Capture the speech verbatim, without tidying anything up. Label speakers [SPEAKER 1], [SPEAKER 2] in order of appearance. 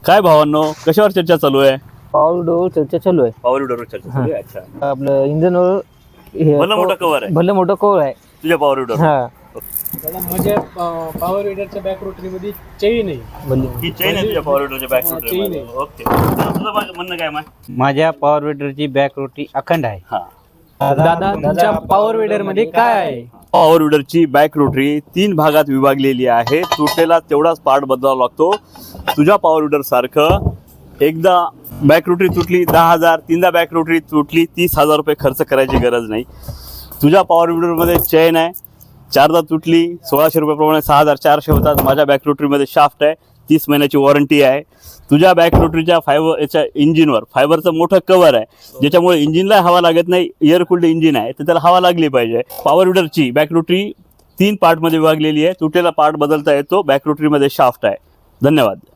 [SPEAKER 1] काय भावांनो, कशावर चर्चा चालू आहे?
[SPEAKER 2] पॉवर विडोवर चर्चा चालू आहे.
[SPEAKER 1] पॉवर विडरवर चर्चा चालू आहे. अच्छा,
[SPEAKER 2] आपलं इंजनवर हे
[SPEAKER 1] भलं मोठं कव्हर आहे
[SPEAKER 2] भलं मोठं कवर आहे.
[SPEAKER 1] तुझ्या पॉवर विडर.
[SPEAKER 2] हा
[SPEAKER 3] त्याला माझ्या पॉवर विडरच्या बॅक रोटरी मध्ये चेन आहे.
[SPEAKER 2] भले
[SPEAKER 1] ही चेन आहे तुझ्या पॉवर विडरच्या बॅक
[SPEAKER 3] हा,
[SPEAKER 1] रोटरी
[SPEAKER 3] chain
[SPEAKER 1] मध्ये.
[SPEAKER 3] आहे.
[SPEAKER 1] ओके, तुझं माझं म्हणणं काय मग?
[SPEAKER 4] माझ्या पॉवर विडरची बॅक रोटी अखंड आहे.
[SPEAKER 1] हा,
[SPEAKER 2] दादा तुमच्या पॉवर विडर मध्ये काय आहे?
[SPEAKER 1] पॉवर विडरची बॅक रोटरी तीन भागात विभागलेली आहे. तुटलेला तेवढाच पार्ट बदलावा लागतो. तुझ्या पॉवर विडर सारखं एकदा बॅक रोटरी तुटली दहा हजार, तीनदा बॅक रोटरी तुटली तीस हजार रुपये खर्च करायची गरज नाही. तुझ्या पॉवर विडरमध्ये चेन आहे, चारदा तुटली सोळाशे रुपयाप्रमाणे सहा हजार चारशे होतात. माझ्या बॅक रोटरीमध्ये शाफ्ट आहे, तीस महिन्याची वॉरंटी आहे. तुझ्या बॅक रोटरीच्या फायबर याच्या इंजिनवर फायबरचं मोठं कवर आहे, ज्याच्यामुळे इंजिनला हवा लागत नाही. एअर कूल्ड इंजिन आहे तर त्याला हवा लागली पाहिजे. पॉवर विडरची बॅक रोटरी तीन पार्टमध्ये विभागलेली आहे. तुटलेला पार्ट बदलता येतो. बॅक रोटरीमध्ये शाफ्ट आहे. धन्यवाद.